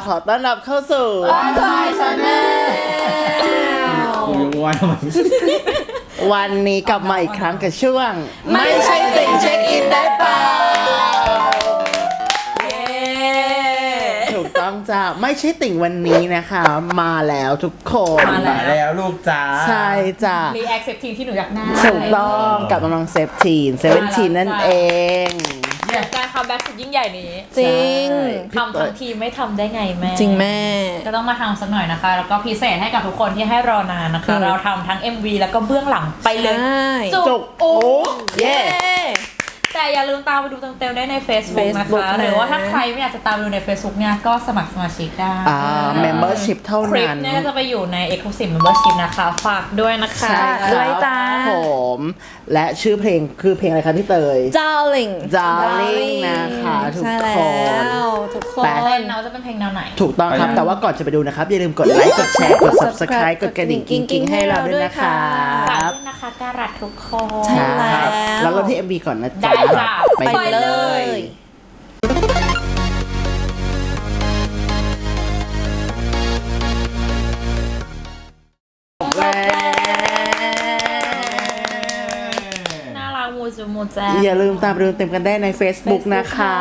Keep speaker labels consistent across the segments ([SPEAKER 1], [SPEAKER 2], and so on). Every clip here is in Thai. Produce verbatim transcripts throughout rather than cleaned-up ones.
[SPEAKER 1] ขอต้อนรับเข้าสู่
[SPEAKER 2] ออนไลน์ชาแนล
[SPEAKER 1] วันนี้กลับมาอีกครั้งกับช่วงไม่ใช่ติ่งเช็คอินได้เปล่าถูกต้องจ้าไม่ใช่ติ่งวันนี้นะคะมาแล้วทุกคน
[SPEAKER 2] มาแล้วลูกจ้า
[SPEAKER 1] ใช่จ้า
[SPEAKER 3] รีแอคเซปทีนที่หนูอยากได้
[SPEAKER 1] ถูกต้องกับน้องเซฟทีนเซเว่นทีนนั่นเอง
[SPEAKER 3] การคัมแบ็กสุดยิ่งใหญ่นี้
[SPEAKER 2] จริง
[SPEAKER 3] ทำทั้งทีไม่ทำได้ไงแม่
[SPEAKER 2] จริงแม่
[SPEAKER 3] ก็ต้องมาทำสักหน่อยนะคะแล้วก็พิเศษให้กับทุกคนที่ให้รอนานนะคะเราทำทั้ง เอ็ม วี แล้วก็เบื้องหลังไปเลย
[SPEAKER 1] จุกโอ้เย่
[SPEAKER 3] แต่อย่าลืมตามไปดูเต็มๆได้ใน Facebook นะคะหรือว่าถ้าใครไม่อยากจะตามดูใน Facebook เนี่ยก็สมัครสมาชิกได้
[SPEAKER 1] อ่า membership เท่านั้น
[SPEAKER 3] คลิปเนี่ยจะไปอยู่ใน exclusive membership นะคะฝากด้วยนะคะ
[SPEAKER 1] ด้วยจ้าผมและชื่อเพลงคือเพลงอะไรคะพี่เตย
[SPEAKER 2] Darling
[SPEAKER 1] Darling นะคะทุกคน
[SPEAKER 2] ทุกคน
[SPEAKER 3] แต่เพลงเราจะเป็นเพลงแนวไหน
[SPEAKER 1] ถูกต้องครับแต่ว่าก่อนจะไปดูนะครับอย่าลืมกดไลค์กดแชร์กด Subscribe กดกระดิ่งกิ๊งๆให้เราด้วยนะคะ
[SPEAKER 3] ฝากด้วยนะคะการัดทุกคน
[SPEAKER 1] ใช่แล้วเราที่ เอ็ม วี ก่อนนะจ๊ะ
[SPEAKER 3] ไปเลยน่ารักมูจูมูแจ
[SPEAKER 1] อย่าลืมตามดูเต็มกันได้ใน Facebook นะคะ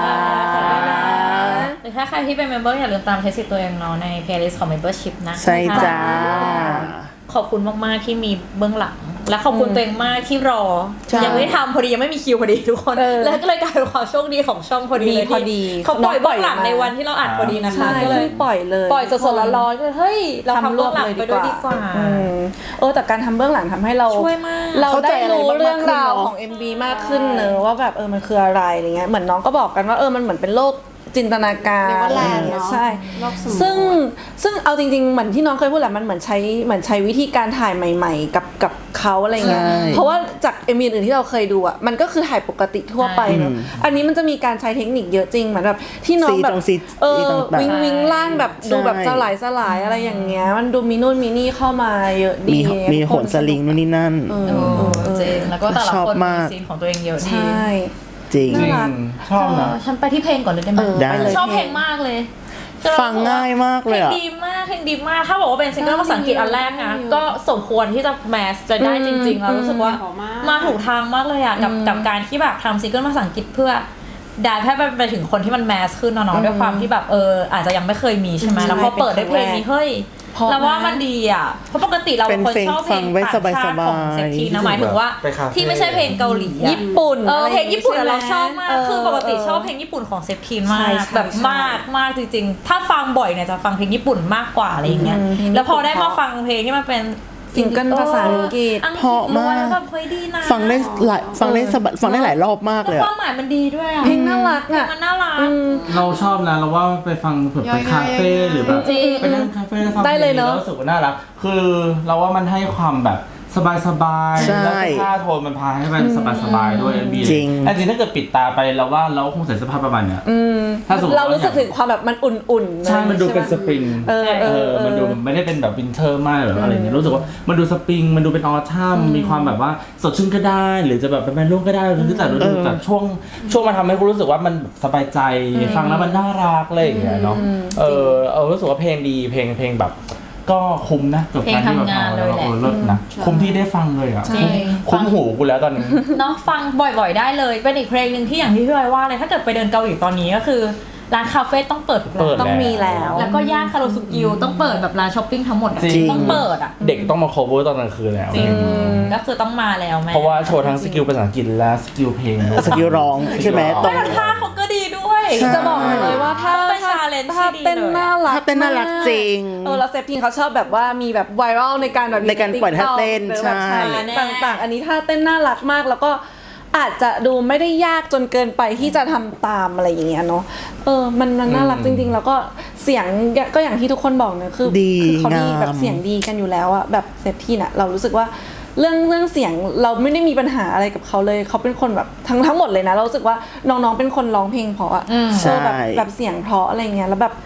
[SPEAKER 3] หรือถ้าใครที่เป็นเมมเบอร์อย่าลืมตามใช้สิทธิ์ตัวเองเนาะใน playlist ของ membership นะ
[SPEAKER 1] ใช่จ้า
[SPEAKER 3] ขอบคุณมากๆที่มีเบื้องหลังและขอบคุณตัวเองมากที่รอยังไม่ทำพอดียังไม่มีคิวพอดีทุกคนแล้วก็เลยกลายเป็นความโชคดีของช่องพอดีเลยที่เขาปล่อยเบื้องหลังในวันที่เราอัดพอดีนะคะก็เลย
[SPEAKER 2] ปล่อยเลย
[SPEAKER 3] ปล่อยสดๆร้อนๆก็เฮ้ยเราทำเบื้องหลังไปด้วยดีกว่า
[SPEAKER 2] เออแต่การทำเบื้องหลังทำให้เรา
[SPEAKER 3] ช่วยมาก
[SPEAKER 2] เราได้รู้เรื่องราวของ เอ็ม วี มากขึ้นเนอะว่าแบบเออมันคืออะไรอะไรเงี้ยเหมือนน้องก็บอกกันว่าเออมันเหมือนเป็นโลกจินตนาการใช่ซึ่งซึ่งเอาจริงๆเหมือนที่น้องเคยพูดแหละมันเหมือนใช้เหมือนใช้วิธีการถ่ายใหม่ๆกับกับเขาอะไรเงี้ยเพราะว่าจาก เอ็ม วี อื่นที่เราเคยดูอ่ะมันก็คือถ่ายปกติทั่วไปเนอะอันนี้มันจะมีการใช้เทคนิคเยอะจริงเหมือนแบบที่น้องแบบเออวิงวิงล่างแบบดูแบบสลายสลายอะไรอย่างเงี้ยมันดูมีนู่นมีนี่เข้ามาเยอะดี
[SPEAKER 1] มีโหนสลิงนู่นนี่นั่น
[SPEAKER 3] เออจริงแล้วก็แต่ละคนมีซีนของตัวเองเยอะดี
[SPEAKER 1] จริง
[SPEAKER 2] ชอบนะ
[SPEAKER 3] ฉันไปที่เพลงก่อนเลยได้ไหมชอบเพลงมากเลย
[SPEAKER 1] ฟังง่ายมากเลย
[SPEAKER 3] อะเพลงดีมากเพลงดีมากถ้าบอกว่าเป็นซิงเกิลภาษาอังกฤษอันแรกนะก็สมควรที่จะแมสจะได้จริงๆเรารู้สึกว่ามาถูกทางมากเลยอะกับกับการที่แบบทำซิงเกิลภาษาอังกฤษเพื่อได้แค่ไปถึงคนที่มันแมสขึ้นเนาะด้วยความที่แบบเอออาจจะยังไม่เคยมีใช่ไหมแล้วพอเปิดได้เพลงนี้เฮ้ยแล้วว่ามันดีอ่ะเพราะปกติเราเป็นคนชอบเพลงต่างชาติของเซ็กทีนะหมายถึงว่าที่ไม่ใช่เพลงเกาหลี
[SPEAKER 2] ญี่ปุ่น
[SPEAKER 3] เออเพลงญี่ปุ่นเราชอบมากคือปกติชอบเพลงญี่ปุ่นของเซ็กทีมากแบบมากมากจริงๆถ้าฟังบ่อยเนี่ยจะฟังเพลงญี่ปุ่นมากกว่าอะไรอย่างเงี้ยแล้วพอได้มาฟังเพลงที่มันเป็น
[SPEAKER 2] ซิงเกิลภาษาอังกฤษ
[SPEAKER 1] เพราะมากฟังได้หลายฟังได้ฟังได้หลายรอบมากเลย
[SPEAKER 3] ความหมายมันดีด้วยอ่ะ
[SPEAKER 2] เพลงน่ารักอ่ะ
[SPEAKER 3] มันน่ารัก
[SPEAKER 4] เราชอบนะเราว่าไปฟังแบบไปคาเฟ่หรือแบบไปนั่งคาเฟ่แล้วฟังเพลงแล้วรู้สึกว่าน่ารักคือเราว่ามันให้ความแบบสบายๆแล้วเสื้อผ้าโทนมันพาให้มันสบายๆด้วยบีจริงจริงถ้าเกิดปิดตาไปเราว่าเราคงใส่เสื้อผ้าประมาณเนี้ย
[SPEAKER 2] ถ้าสมมติเรารู้สึกถึงความแบบมันอุ่นๆ
[SPEAKER 4] ใช่มันดูเป็นสปริงเออเออมันดูไม่ได้เป็นแบบวินเทอร์มากหรืออะไรเงี้ยรู้สึกว่ามันดูสปริงมันดูเป็นออทัมมีความแบบว่าสดชื่นก็ได้หรือจะแบบเป็นแมนรุ่งก็ได้หรือแต่ดูแต่ช่วงช่วงมันทำให้คุณรู้สึกว่ามันสบายใจฟังแล้วมันน่ารักอะไรอย่างเงี้ยเนาะเออเออรู้สึกว่าเพลงดีเพลงเพลงแบบก็คุ้มนะกับการที่เราทำแล้วเออเลิศนะคุ้มที่ได้ฟังเลยอ่ะคุ้มหูกูแล้วตอนนี้
[SPEAKER 3] เนาะฟังบ่อยๆได้เลยเป็นอีกเพลงหนึ่งที่อย่างที่พี่ไว้ว่าเลยถ้าเกิดไปเดินเกาหลีตอนนี้ก็คือร้านคาเฟ่ต้องเปิดทุกร้าน
[SPEAKER 2] ต้องมีแล้ว
[SPEAKER 3] แล้วก็ย่านคาโรสุกิวต้องเปิดแบบร้านช้อปปิ้งทั้งหมดต้องเปิดอ่ะ
[SPEAKER 4] เด็กต้องมาโคเวอร์ตอนกลางคืนแล้ว
[SPEAKER 3] จริงก็คือต้องมาแล้วแม่
[SPEAKER 4] เพราะว่าโชว์ทั้งสกิลภาษาอังกฤษและสกิลเพลง
[SPEAKER 1] สกิลร้องใช่ไหม
[SPEAKER 3] ตรงท่าเขาก็ดีด้วย
[SPEAKER 2] จะบอกเลยว่าถ้าถ้าเต้นน่ารัก
[SPEAKER 1] ถ้าเต้นน่ารักจริง
[SPEAKER 2] เออแล้วเซฟทีนเขาชอบแบบว่ามีแบบไวรัลในการแบบ
[SPEAKER 1] ในการปล่อยท่าเต้นใช่
[SPEAKER 2] ต่างๆอันนี้ท่าเต้นน่ารักมากแล้วก็อาจจะดูไม่ได้ยากจนเกินไปที่จะทำตามอะไรอย่างเงี้ยเนาะเออมันมันน่ารักจริงๆแล้วก็เสียงก็อย่างที่ทุกคนบอกนะคือคือเขาดีแบบเสียงดีกันอยู่แล้วอะแบบเซฟทีนอะเรารู้สึกว่าเรื่องเรื่องเสียงเราไม่ได้มีปัญหาอะไรกับเขาเลยเขาเป็นคนแบบทั้งทั้งหมดเลยนะเรารู้สึกว่าน้องๆเป็นคนร้องเพลงเพราะอะเออแบบแบบเสียงเพราะอะไรเงี้ยแล้วแบบ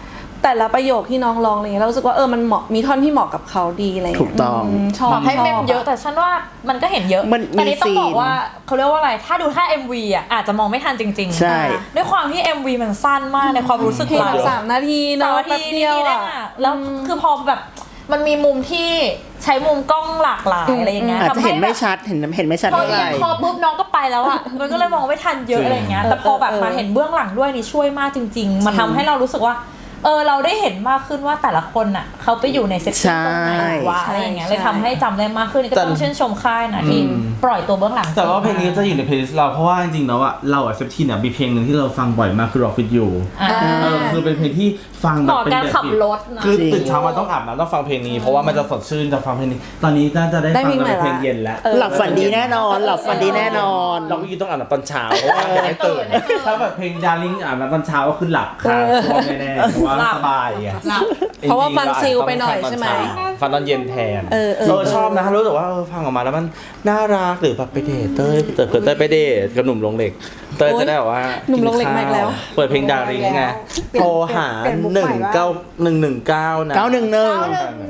[SPEAKER 2] แต่ละประโยคที่น้องร้องอะไรเงี้ยเรารู้สึกว่าเออมันเหมาะมีท่อนที่เหมาะกับเขาดีอะไรเงี้ย
[SPEAKER 1] ถูกต้อง
[SPEAKER 2] มชอบ
[SPEAKER 3] บอกให้
[SPEAKER 2] ชอบ
[SPEAKER 3] เมมเยอะแต่ฉันว่ามันก็เห็นเยอะ
[SPEAKER 1] มันมี
[SPEAKER 3] แต่นี้ต้องบอก
[SPEAKER 1] ซีน
[SPEAKER 3] ว่าเขาเรียกว่าอะไรถ้าดูท่า เอ็ม วี อ่ะอาจจะมองไม่ทันจริงๆ
[SPEAKER 1] ใช่
[SPEAKER 3] ด้วยความที่ เอ็ม วี มันสั้นมากในความรู้สึก
[SPEAKER 2] เพลง
[SPEAKER 3] เรา
[SPEAKER 2] แบบสามนาที
[SPEAKER 3] สา
[SPEAKER 2] เนาะ
[SPEAKER 3] ม
[SPEAKER 2] แป๊
[SPEAKER 3] นา
[SPEAKER 2] บ
[SPEAKER 3] ที
[SPEAKER 2] เดียว
[SPEAKER 3] นิดๆเอ
[SPEAKER 2] อ่ะ
[SPEAKER 3] งอะแล้วคือพอแบบมันมีมุมที่ใช้มุมกล้องหลากหลายอะไรอย่างเงี้ย
[SPEAKER 1] อาจจะเห็นไม่
[SPEAKER 3] ทำ
[SPEAKER 1] ชัดเห็นเห็นไม่ชัด
[SPEAKER 3] พอ
[SPEAKER 1] เท่าไห
[SPEAKER 3] เอีย
[SPEAKER 1] ร่
[SPEAKER 3] งคอปุ๊บน้องก็ไปแล้วอ่ะมันก็เลยมองไม่ทันเยอะอะไรอย่างเงี้ยแต่พอแบบมาเห็นเบื้องหลังด้วยนี่ช่วยมากจริงๆมาทำให้เรารู้สึกว่าเออเราได้เห็นมากขึ้นว่าแต่ละคนน่ะเขาไปอยู่ในเซตติ้งตรงไหนวะอะไรอย่างเงี้ยเลยทำให้จำได้มากขึ้นนี่ก็ต้องชื่นชมค่ายนะที่ปล่อยตัวเบื้องหลัง
[SPEAKER 4] แต่ว่าเพลงนี้จะอยู่ในเพลย์ลิสต์เราเพราะว่าจริงๆแล้วอะเราอะเซฟทีเนี่ยมีเพลงหนึ่งที่เราฟังบ่อยมากคือ Rock With You
[SPEAKER 3] อ่า
[SPEAKER 4] เออคือเป็นเพลงที่ฟังแบ
[SPEAKER 3] เห
[SPEAKER 4] บ
[SPEAKER 3] มาะ
[SPEAKER 4] เป็น
[SPEAKER 3] การ
[SPEAKER 4] แบบ
[SPEAKER 3] ขับรถนะ
[SPEAKER 4] คือ
[SPEAKER 1] จริง
[SPEAKER 4] ตื่นเช้ามาต้องอาบน้ำต้องฟังเพลงนี้เพราะว่ามันจะสดชื่นจะฟังเพลงนี้ ตอนนี้น่าจะได้
[SPEAKER 2] ได้
[SPEAKER 4] ฟัง
[SPEAKER 2] เพลงใหม่
[SPEAKER 4] ในเพลง
[SPEAKER 2] ละ
[SPEAKER 4] เย็นแล้ว
[SPEAKER 1] หลับฝันดีแน่นอน หลับฝันดีแน่นอน
[SPEAKER 4] เราก็ยิ่งต้องอาบน้ำตอนเช้าเพราะว่าจะได้ตื่นถ้าแบบเพลงดาริ่งอาบน้ำตอนเช้าก็คือหลับคาช่วงแน่ๆเพราะว่าสบายไง
[SPEAKER 2] เพราะว่าฟังชิลไปหน่อยใช่ไหม
[SPEAKER 4] ฟังตอนเย็นแทน
[SPEAKER 2] เออเออ
[SPEAKER 4] ชอบนะรู้สึกว่าเออฟังออกมาแล้วมันน่ารักหรือแบบไปเดทเต้ยเต้ยเต้ยไปเดทกับหนุ่มลงเหล็กเต้ยจะได้แบบว่า
[SPEAKER 2] หนุ่มลงเหล็กมาอีกแล้ว
[SPEAKER 4] เปิดเพลงดาริ่งไงโทรหาหนึ่งเก้าหนึ่งหนึ่งเก้านะ
[SPEAKER 1] เก้าหนึ่งหนึ่ง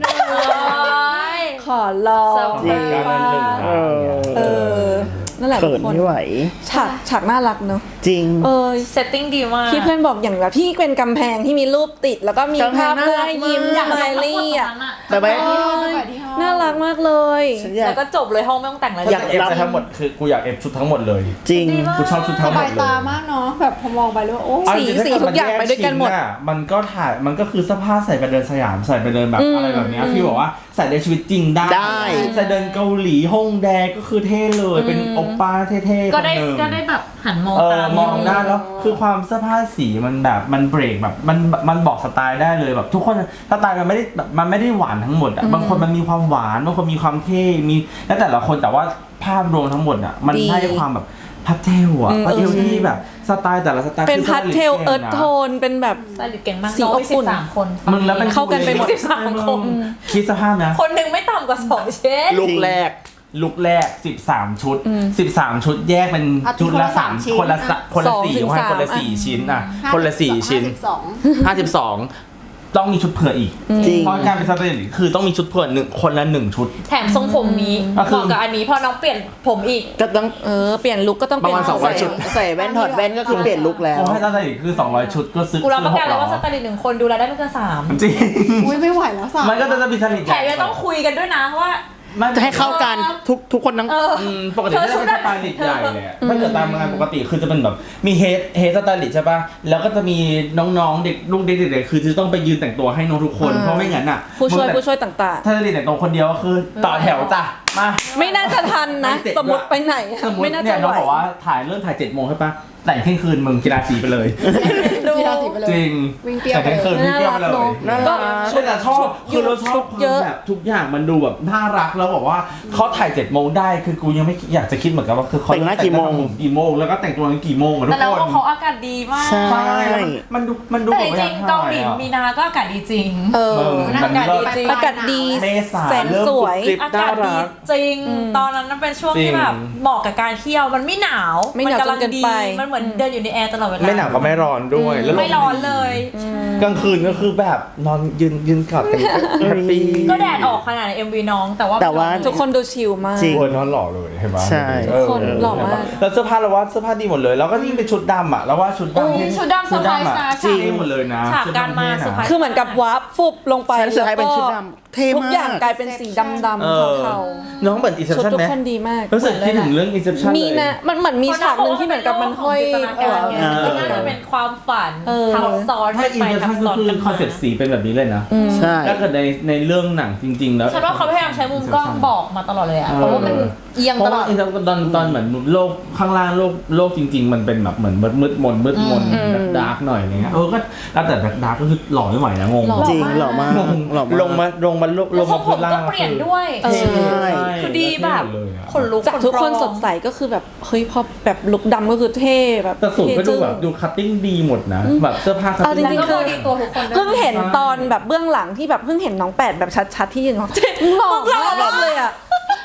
[SPEAKER 2] ขอลอง
[SPEAKER 1] จริง
[SPEAKER 4] เก้าหนึ่งหนึ่ง
[SPEAKER 1] เออ
[SPEAKER 2] เออนั่นแหละทุ
[SPEAKER 1] เขิ
[SPEAKER 2] ก
[SPEAKER 1] น
[SPEAKER 2] คน
[SPEAKER 1] ไม่ไหว
[SPEAKER 2] ฉากฉากน่ารักเนาะ
[SPEAKER 1] จริง
[SPEAKER 2] เออ
[SPEAKER 3] เซตติ้งดีมาก
[SPEAKER 2] ที่เพื่อนบอกอย่างแบบที่เป็นกำแพงที่มีรูปติด แล้วก็มี
[SPEAKER 1] กำแพ
[SPEAKER 2] ภาง พ
[SPEAKER 1] น่า
[SPEAKER 2] เพื่อ
[SPEAKER 1] รัก
[SPEAKER 2] ให้ยิ้ม
[SPEAKER 1] มาก
[SPEAKER 2] สไมลี่อ่ะ
[SPEAKER 1] แต่ไป
[SPEAKER 2] เออน่ารักมากเลย
[SPEAKER 1] ฉันอยาก
[SPEAKER 3] แล้วก็จบเลยห้องไม่ต้องแต่งอะไร
[SPEAKER 1] อยาก
[SPEAKER 4] เอฟทั้งหมดคือกูอยากเอฟชุดทั้งหมดเลย
[SPEAKER 1] จริง
[SPEAKER 4] กูชอบชุด
[SPEAKER 5] ส
[SPEAKER 4] ทั้งหม
[SPEAKER 5] บา
[SPEAKER 4] ด
[SPEAKER 5] ย
[SPEAKER 4] เลย
[SPEAKER 5] ตามากเนาะแบบพอมองไปแล้วโอ้
[SPEAKER 4] เอาจริงๆ
[SPEAKER 2] สี
[SPEAKER 4] ถ้
[SPEAKER 2] ทุกอย่างไปด้วยกันหมด
[SPEAKER 4] แชิ้ะมันก็ถ่ายมันก็คือเสื้อผ้าใส่ไปเดินสยามใส่ไปเดินแบบอะไรแบบเนี้ยพี่บอกว่าใส่ในชีวิตจริงได้
[SPEAKER 1] ได้
[SPEAKER 4] ใส่เดินเกาหลีฮ่องแดก็คือเท่เลยเป็นโอปป้าเท่ๆ
[SPEAKER 3] ก็ได้
[SPEAKER 4] คนหนึ่ง
[SPEAKER 3] ก็ได้แบบหันมอง
[SPEAKER 4] เออ
[SPEAKER 3] ตาม
[SPEAKER 4] มองหน้าแล้วคือความเสื้อผ้าสีมันแบบมันเบรกแบบมันมันบอกสไตล์ได้เลยแบบทุกคนสไตล์มันไม่ได้แบบมันไม่ได้หวานทั้งหมดอ่ะบางคนมันมีความหวานบางคนมีความเท่มีแล้วแต่ละคนแต่ว่าภาพรวมทั้งหมดอ่ะมัน
[SPEAKER 2] ดี
[SPEAKER 4] ให้ความแบบพับเทลอ่ะ
[SPEAKER 2] อืม
[SPEAKER 4] พับเทลที่แบบสไตล์แต่ละสไตล์
[SPEAKER 2] เป็น
[SPEAKER 4] คือ
[SPEAKER 2] พัดเทล
[SPEAKER 4] สไต
[SPEAKER 2] เอิร์ธ
[SPEAKER 4] ก่งนะ
[SPEAKER 2] โทนเป็นแบบ
[SPEAKER 3] สไตลิสต์เก่งมาก
[SPEAKER 2] สี
[SPEAKER 3] น้อง
[SPEAKER 2] อบ
[SPEAKER 3] มี
[SPEAKER 2] อุ่
[SPEAKER 3] สิ
[SPEAKER 2] น
[SPEAKER 3] บสามคน
[SPEAKER 4] มึงแล้วเป็น
[SPEAKER 2] เข้ากันไปหมด
[SPEAKER 3] สิบสามคน
[SPEAKER 4] คิดสภาพนะ
[SPEAKER 3] คนหนึ่งไม่ต่ำกว่าสองเชน
[SPEAKER 4] ลุกแรกลุกแรกสิบสามชุดสิบสามชุดแยกเป็นชุดละสามคนละสะคนละ
[SPEAKER 2] สอง
[SPEAKER 4] สี่
[SPEAKER 2] ถึง
[SPEAKER 4] ให้
[SPEAKER 2] สาม
[SPEAKER 4] คนละสี่ชิ้นอ่ะคนละสี่ชิ้น
[SPEAKER 5] สอง
[SPEAKER 4] ห้าสิบสองต้องมีชุดเผื่ออีก
[SPEAKER 1] จริง
[SPEAKER 4] เพราะการเป็นสไตลิสต์คือต้องมีชุดเผื่อหนึ่งคนละหนึ่งชุด
[SPEAKER 3] แถมทรงผมนี้
[SPEAKER 4] ก็
[SPEAKER 3] เห
[SPEAKER 4] คือ
[SPEAKER 3] มาะกับอันนี้พอน้องเปลี่ยนผมอีก
[SPEAKER 1] ก็ต้อง
[SPEAKER 2] เออเปลี่ยนลุคก็ต้องเปลี่ยน
[SPEAKER 4] ประมาณสองร้อย
[SPEAKER 2] ใ
[SPEAKER 4] ชุด
[SPEAKER 1] ใส่แว่นถอดแว่นก็คือเปลี่ยนลุคแล้ว
[SPEAKER 4] ผมให้สไตลิสต์คือสองร้อยชุดก็ซื้อ
[SPEAKER 3] กูรับประกันเลยว่าส
[SPEAKER 4] ซื้อ
[SPEAKER 3] ไตลิสต์หนึ่งคนดูแลได้ไม่เกินสาม
[SPEAKER 4] จริง
[SPEAKER 5] อุ้ยไม่ไหวแล้วสาม
[SPEAKER 4] มันก็จะมีสไตลิสต์
[SPEAKER 3] แถมยังต้องคุยกันด้วยนะว่า
[SPEAKER 4] มัน
[SPEAKER 1] จะให้เข้ากันทุกทุกคนทั้ง
[SPEAKER 3] เออ
[SPEAKER 4] อืมปกติก็จะเป็นสไตลิสต์ใหญ่แหละถ้าเกิดตามงานปกติคือจะเป็นแบบมีเฮดเฮดสไตลิสต์ใช่ป่ะแล้วก็จะมีน้องๆเด็กลูกเด็กๆคือจะต้องไปยืนแต่งตัวให้น้องทุกคนเพราะไม่งั้นอ่ะ
[SPEAKER 2] ผู้ช่วย
[SPEAKER 4] มึงแต่
[SPEAKER 2] ผู้ช่วยต่าง
[SPEAKER 4] ถ้าจะเรียนแต่งตัวคนเดียวก็คือต่อแถวจ้ะมา
[SPEAKER 2] ๆ ไม่น่าจะทันนะ
[SPEAKER 4] ไม่เสร็จ
[SPEAKER 2] สมมติไปไหนอะ
[SPEAKER 4] สมมติ
[SPEAKER 2] ไม่น่า
[SPEAKER 4] เนี่
[SPEAKER 2] จะ
[SPEAKER 4] ย
[SPEAKER 2] ไห
[SPEAKER 4] น้อง
[SPEAKER 2] ว
[SPEAKER 4] บอกว่าถ่ายเริ่มถ่ายเจ็ดโมงใช่ปะแต่งเที่ยงคืนมึงกีฬาสีไปเลย
[SPEAKER 2] ดู
[SPEAKER 5] กีฬาสีไปเลย
[SPEAKER 4] จริง
[SPEAKER 5] วิ่งเปรี้ยว
[SPEAKER 4] แต่งเที่ยงคืนวิ่งเปรี้ยวไปเลย
[SPEAKER 1] น่ารัก
[SPEAKER 4] ก็แต่ชอบคือเราชอบความ
[SPEAKER 2] เยอะ
[SPEAKER 4] แบบทุกอย่างมันดูแบบน่ารักแล้วบอกว่าเขาถ่ายเจ็ดโมงได้คือกูยังไม่อยากจะคิดเหมือนกันว่าคือเขา
[SPEAKER 1] แต่งหน้ากี่โมง
[SPEAKER 4] กี่โมงแล้วก็แต่งตัวกันกี่โมงอะทุ
[SPEAKER 3] แต่
[SPEAKER 4] ก
[SPEAKER 3] เรา
[SPEAKER 4] คน
[SPEAKER 3] ก็เขาอากาศดีมาก
[SPEAKER 1] ใช่
[SPEAKER 4] ใช่แล้วมันดูมันดู
[SPEAKER 3] แต่
[SPEAKER 4] แบ
[SPEAKER 3] จ
[SPEAKER 4] บ
[SPEAKER 3] ริงๆเกาหลีมีนาก็อากาศดีจริง
[SPEAKER 2] เออ
[SPEAKER 4] เออ
[SPEAKER 3] อากาศดีจริง
[SPEAKER 2] อากาศดี
[SPEAKER 4] เมษา
[SPEAKER 2] แสน
[SPEAKER 4] เริ่ม
[SPEAKER 2] สวย
[SPEAKER 4] กรุบกริบ
[SPEAKER 3] อากาศดีจริง ตอนนั้นมันเป็นช่วงที่แบบเหมาะกับการเที่ยวมันไม่หนาว
[SPEAKER 2] ไม่หนาว
[SPEAKER 3] กำลัง
[SPEAKER 2] จนเกิน
[SPEAKER 3] ดี
[SPEAKER 2] ไป
[SPEAKER 3] มันเหมือนเดินอยู่ในแอร์ตลอดเวลา
[SPEAKER 4] ไม่หนาวก็ไม่ร้อนด้วยแล้ว
[SPEAKER 3] ไม่ร้อนเลย
[SPEAKER 4] กลางคืนก็คือแบบนอนยืนยืนกอดกันแฮปปี้
[SPEAKER 3] ก็แดดออกขนาดใน เอ็ม วี น้องแต่ว่า
[SPEAKER 1] แต่ว่า
[SPEAKER 2] ทุกคนดูชิลมาก
[SPEAKER 1] จริง
[SPEAKER 4] โอ้ยนอนหล่อเลยเห็นไหม
[SPEAKER 1] ใช่
[SPEAKER 4] เออ
[SPEAKER 2] คนหล่อมาก
[SPEAKER 4] แล้วเสื้อผ้าเราว่าเสื้อผ้าดีหมดเลย แล้วก็ยิ่งเป็นชุดดำอ่ะแล้วว่าชุด
[SPEAKER 3] อุ๊
[SPEAKER 4] ดำ
[SPEAKER 3] ย
[SPEAKER 4] ที่
[SPEAKER 3] ชุดดำเซอร์ไพรส์นะ
[SPEAKER 4] จริงหมดเลยนะ
[SPEAKER 3] ฉากการมาเซอร์ไพรส์
[SPEAKER 2] คือเหมือนกับวาร์ปฟุบลงไป
[SPEAKER 1] ฉันสุดท้ายเป็นชุดดำเท่
[SPEAKER 2] ทุก
[SPEAKER 1] มาก
[SPEAKER 2] อย่างกลายเป็นสีดำ
[SPEAKER 4] เออ
[SPEAKER 2] ๆเทา
[SPEAKER 4] น้องเหมือน
[SPEAKER 2] ๆชุด
[SPEAKER 4] Inception
[SPEAKER 2] ทุก
[SPEAKER 4] ไหม
[SPEAKER 2] คนดีมาก
[SPEAKER 4] รู้สึกคิดถึงเรื่อง Inception
[SPEAKER 2] มี
[SPEAKER 4] เลย
[SPEAKER 2] นะมันเหมือนมีฉากหนึ่งที่เหมือนกับมันห้อย
[SPEAKER 3] จินตนาการไง
[SPEAKER 1] เออ
[SPEAKER 3] มันน่าจะเป็นความฝัน
[SPEAKER 2] เออ
[SPEAKER 3] ทับซ้อน
[SPEAKER 4] ถ้า
[SPEAKER 3] กันไป
[SPEAKER 4] Inception
[SPEAKER 3] ทับ
[SPEAKER 4] ก็
[SPEAKER 3] ซ้อน
[SPEAKER 4] คือ
[SPEAKER 3] กัน
[SPEAKER 4] คอนเซ็ปต์สีเป็นแบบนี้เลยนะ
[SPEAKER 1] ใช่
[SPEAKER 4] ถ้าเกิดในในเรื่องหนังจริง ๆ แล้ว
[SPEAKER 3] ฉันว่าเขาพยายามใช้มุมกล้องบอกมาตลอดเลยอะเพราะว่ามันเอียง
[SPEAKER 4] เพ
[SPEAKER 3] ต
[SPEAKER 4] ราะ
[SPEAKER 3] ลอ
[SPEAKER 4] ว่า
[SPEAKER 3] ด
[SPEAKER 4] อินเตอร์ตอนตอนเหมือนโลกข้างล่างโลกโลกจริง ๆ มันเป็นแบบเหมือนมืดมืดมนมืดมนดาร์กหน่อยอะไรเงี้ยเออก็แล้วแต่ดาร์กก็คือหล่อไม่ไหวนะงง
[SPEAKER 1] จริงหล่อมาก
[SPEAKER 4] งง
[SPEAKER 1] หล่อมาก
[SPEAKER 4] ลงมาลงมาลง
[SPEAKER 3] แล้วทร
[SPEAKER 4] มาง
[SPEAKER 3] ผ
[SPEAKER 4] พื้
[SPEAKER 3] ม
[SPEAKER 4] นล่า
[SPEAKER 3] ก็
[SPEAKER 4] ง
[SPEAKER 3] เปลี่ยนด้วย
[SPEAKER 2] เออ
[SPEAKER 1] ใช่
[SPEAKER 3] คือดีแบบ
[SPEAKER 4] เลยอะ
[SPEAKER 3] ขนลุก
[SPEAKER 2] จากทุกคน
[SPEAKER 3] ขร้อง
[SPEAKER 2] สดใสก็คือแบบเฮ้ยพอแบบลุคดำก็คือเท่แบบ
[SPEAKER 4] แต่สูตรก็ดู
[SPEAKER 2] เท่จึ้ง
[SPEAKER 4] แบบดูคัตติ้งดีหมดนะแบบเสื้อผ้าคัต
[SPEAKER 2] เอาจ
[SPEAKER 4] ติ้ง
[SPEAKER 2] ริงๆ
[SPEAKER 3] แล้วก็ดีตัวทุกคนด้วย
[SPEAKER 2] เพิ่งเห็นตอนแบบเบื้องหลังที่แบบเพิ่งเห็นน้องแปดแบบชัดๆที่ยืนของมึงหล่อมากเลยอ่ะ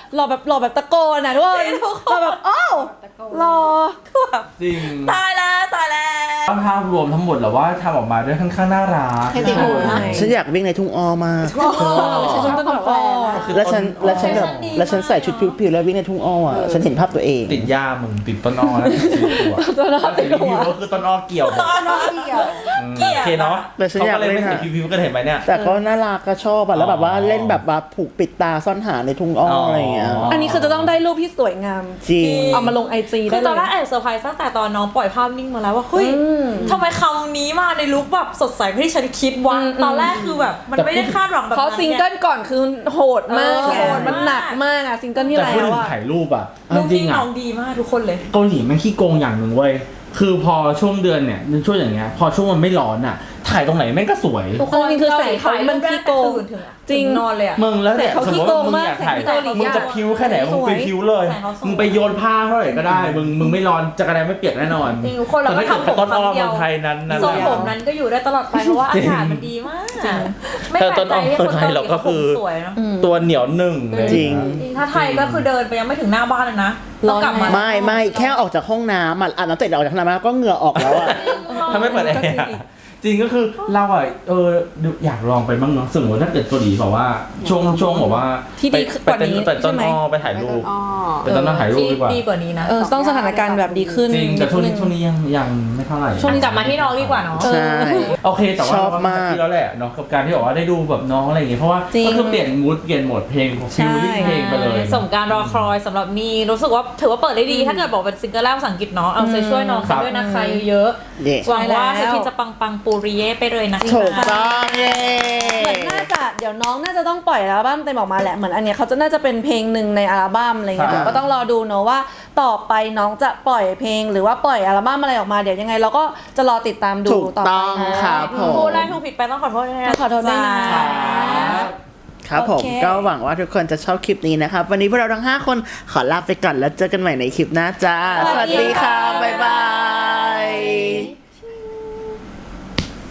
[SPEAKER 2] หล่อแบบหล่อแบบตะโกนอ่ะทุกคนหล่อแบบอ้าวหล่อ
[SPEAKER 4] จริง
[SPEAKER 3] ตายแล้วตายแล้ว
[SPEAKER 4] ภาพรวมทั้งหมดแล้วว่าทำออกมาด้วยค่อนข้างน่ารัก
[SPEAKER 5] ให้ติดหูนะ
[SPEAKER 1] ฉันอยากวิ่งในทุ่งอ้อมาก
[SPEAKER 2] ฉันต้องแบบว่า
[SPEAKER 1] แล้วฉันแล้วฉันแบบแล้วฉันใส่ชุดผิวๆแล้ววิ่งในทุ่งอ้ออ่ะฉันเห็นภาพตัวเอง
[SPEAKER 4] ติดหญ้ามึงติดต้นอ้อแล้วติดตัวต้นอ้อติดตัวก็คือต้นอ้อเกี่ยว
[SPEAKER 5] น้องเกี่ยว
[SPEAKER 4] เกี่ยวโอเคเนาะ
[SPEAKER 1] แต่ฉันอยาก
[SPEAKER 4] เขาก็เลย
[SPEAKER 1] เล่
[SPEAKER 4] ไม่
[SPEAKER 1] น
[SPEAKER 4] ใส่
[SPEAKER 1] อะ
[SPEAKER 4] พิวๆก็เห็นไหมเนี่ย
[SPEAKER 1] แต่ก็น่ารักก็ชอบอ่ะแล้วแบบว่าเล่นแบบว่าผูกปิดตาซ่อนหาในทุ่งอ้ออะไรอย่างเงี้ย
[SPEAKER 2] อันนี้คือจะต้องได้รูปที่สวยงาม
[SPEAKER 1] จริง
[SPEAKER 2] เอามาลงไอจี
[SPEAKER 3] คื
[SPEAKER 2] ได้
[SPEAKER 3] อ
[SPEAKER 2] เล
[SPEAKER 3] ตอนแรก
[SPEAKER 2] ย
[SPEAKER 3] แอบเซอร์ไพรส์ตั้งแต่ตอนน้องปล่อยภาพนิ่งมาแล้วว่าเฮ้ยทำไมคำนี้มาในลุคแบบสดใสไม่ที่ฉันคิดวะตอนแรกคือแบบมันไม่ได้คาดหวังแบบ
[SPEAKER 2] เพราะ
[SPEAKER 3] นั้น
[SPEAKER 2] ซิง
[SPEAKER 3] ไง
[SPEAKER 2] เกิลก่อนคือโหดมาก
[SPEAKER 3] เออ
[SPEAKER 2] ไงมันหนักมากอะซิงเกิลที่
[SPEAKER 4] แต่
[SPEAKER 2] แล้
[SPEAKER 4] พูด
[SPEAKER 2] ว
[SPEAKER 4] ถึง
[SPEAKER 2] อะ
[SPEAKER 4] ถ่ายรูปอ่ะ
[SPEAKER 3] ลูก
[SPEAKER 4] จริ
[SPEAKER 3] นี่
[SPEAKER 4] งๆอ่ะ
[SPEAKER 3] น้องดีมากทุกคนเลย
[SPEAKER 4] เกาหลีมันขี้โกงอย่างหนึ่งเว้ยคือพอช่วงเดือนเนี่ยช่วงอย่างเงี้ยพอช่วงมันไม่ร้อนอ่ะถ่ายตรงไหนแม่งก็สวย
[SPEAKER 3] ทุกคน
[SPEAKER 2] จริงๆคือแสงเขามันขี้โกง
[SPEAKER 3] ตื่นถึงอะ
[SPEAKER 2] จริง
[SPEAKER 3] ถึนอนเลยอะ
[SPEAKER 4] มึงแล้วเนี่ย
[SPEAKER 2] แต่เขา
[SPEAKER 4] สม
[SPEAKER 2] ขี้
[SPEAKER 4] มติ
[SPEAKER 2] โก
[SPEAKER 4] ว่าง มึง
[SPEAKER 2] มาก
[SPEAKER 4] อยากถ่าย
[SPEAKER 2] แต่ที่เกาหลี
[SPEAKER 4] มึงจะพิ้วแค่ไหนมึงไปพิ้วเลย
[SPEAKER 3] แสงเขาสวย
[SPEAKER 4] มึงไปโยนผ้าเท่าไหร่ก็ได้ มึงมึงไม่ร้อนจักรแดนไม่เปียกแน่นอน
[SPEAKER 3] จริงทุกคนเรา
[SPEAKER 4] แต่
[SPEAKER 3] ก็
[SPEAKER 4] ถ้าเกิด
[SPEAKER 3] ทำผม
[SPEAKER 4] ต้นอ้อ
[SPEAKER 3] ครั้งเดียว
[SPEAKER 4] เมืองไทยนั้นนั่น
[SPEAKER 3] ทรง
[SPEAKER 4] แหละ
[SPEAKER 3] ผมนั้นก็อยู่ได้ตลอดไปเพราะว่าอากาศมันดีมากไม่
[SPEAKER 4] แต่
[SPEAKER 3] แปล
[SPEAKER 4] ต้
[SPEAKER 3] ก
[SPEAKER 4] น
[SPEAKER 3] ใจ
[SPEAKER 4] อ้อ
[SPEAKER 3] ที่
[SPEAKER 4] เมื
[SPEAKER 3] ค
[SPEAKER 4] อง
[SPEAKER 3] น
[SPEAKER 4] ไทย
[SPEAKER 3] เกาหลี
[SPEAKER 4] เราก็
[SPEAKER 3] เขาผ
[SPEAKER 4] คือ
[SPEAKER 3] มสวยเนาะ
[SPEAKER 4] ตัวเหนียวหนึ่งเลย
[SPEAKER 1] จริง
[SPEAKER 3] จริงถ้าไทยก็คือเดินไปยังไม่ถึงหน้าบ้านเลยนะต้องกลับมา
[SPEAKER 1] ไม่ไม่แค่ออกจากห้องน้ำอ่ะอาบน้ำเสร็จออกจากห้องน้ำก็เหงื่อออกแล้วอ่ะ
[SPEAKER 4] ถ้าไม่เปิดแอร์อะจริงก็คือเราอ่ะเอออยากลองไปบ้างเนาะสมมติถ้าเกิดเกาหลีบอกว่าช่วงช่วงบอกว่า
[SPEAKER 2] ที่ดี
[SPEAKER 4] ไป
[SPEAKER 2] กว่านี้
[SPEAKER 4] ไปต้น
[SPEAKER 2] ใช่ไหม
[SPEAKER 4] อ้อไปถ่ายรูป
[SPEAKER 5] อ๋อ
[SPEAKER 4] ไปต้นอ้อถ่ายรูปดีกว่า
[SPEAKER 3] ดีกว่านี้นะ
[SPEAKER 2] เออต้องสถานการณ์แบบดีขึ้น
[SPEAKER 4] จริงแต่ช่วงนี้ช่วงนี้ยังยังไม่เท่าไหร่
[SPEAKER 3] ช่วงนี้กลับมาที่น้องดีกว่าเนาะ
[SPEAKER 1] ใช่
[SPEAKER 4] โอเคแต่ว่า
[SPEAKER 1] ชอบมาก
[SPEAKER 4] ที่แล้วแหละเนาะกับการที่บอกว่าได้ดูแบบน้องอะไรอย่างเงี้ยเพราะว่า
[SPEAKER 2] จริง
[SPEAKER 4] ก็คือเปลี่ยนมูดเปลี่ยนโหมดเพลงฟิลลิ่งเพลงไปเลย
[SPEAKER 3] สมการรอคอยสำหรับมีรู้สึกว่าถือว่าเปิดได้ดี ถ้าเกิดบอกเป็นซิงเกิลแรกภาษาอังกฤษเนาะเอาใจช่วยน้องกันด้วยนะคะเยอะ
[SPEAKER 1] เย่
[SPEAKER 3] ๆหวังว่าเธอคิดจะปังปังๆปูริเย่ไปเลยนะ
[SPEAKER 1] ถูกต้องเย่
[SPEAKER 2] เหมือนน่าจะเดี๋ยวน้องน่าจะต้องปล่อยอัลบั้มเต็มออกมาแหละเหมือนอันเนี้ยเขาจะน่าจะเป็นเพลงหนึ่งในอัลบั้มอะไรเงี้ยเดี๋ยวก็ต้องรอดูเนอะว่าต่อไปน้องจะปล่อยเพลงหรือว่าปล่อยอัลบั้มอะไรออกมาเดี๋ยวยังไง เราก็จะรอติดตามดู
[SPEAKER 1] ถูก
[SPEAKER 2] ต่อไป
[SPEAKER 1] ต้อง
[SPEAKER 2] นะครับ
[SPEAKER 1] ผม
[SPEAKER 3] พูดได้ถูกผิดไปต้องขอโทษด้วยนะ
[SPEAKER 2] ขอโทษด้วยนะ
[SPEAKER 3] จ๊ะ
[SPEAKER 1] ครับผม
[SPEAKER 2] โอเค
[SPEAKER 1] ก็หวังว่าทุกคนจะชอบคลิปนี้นะครับ วันนี้พวกเราทั้งห้าคนขอลาไปก่อนแล้วเจอกันใหม่ในคลิปหน้าจ้า สวัสดีค่ะ บ๊ายบาย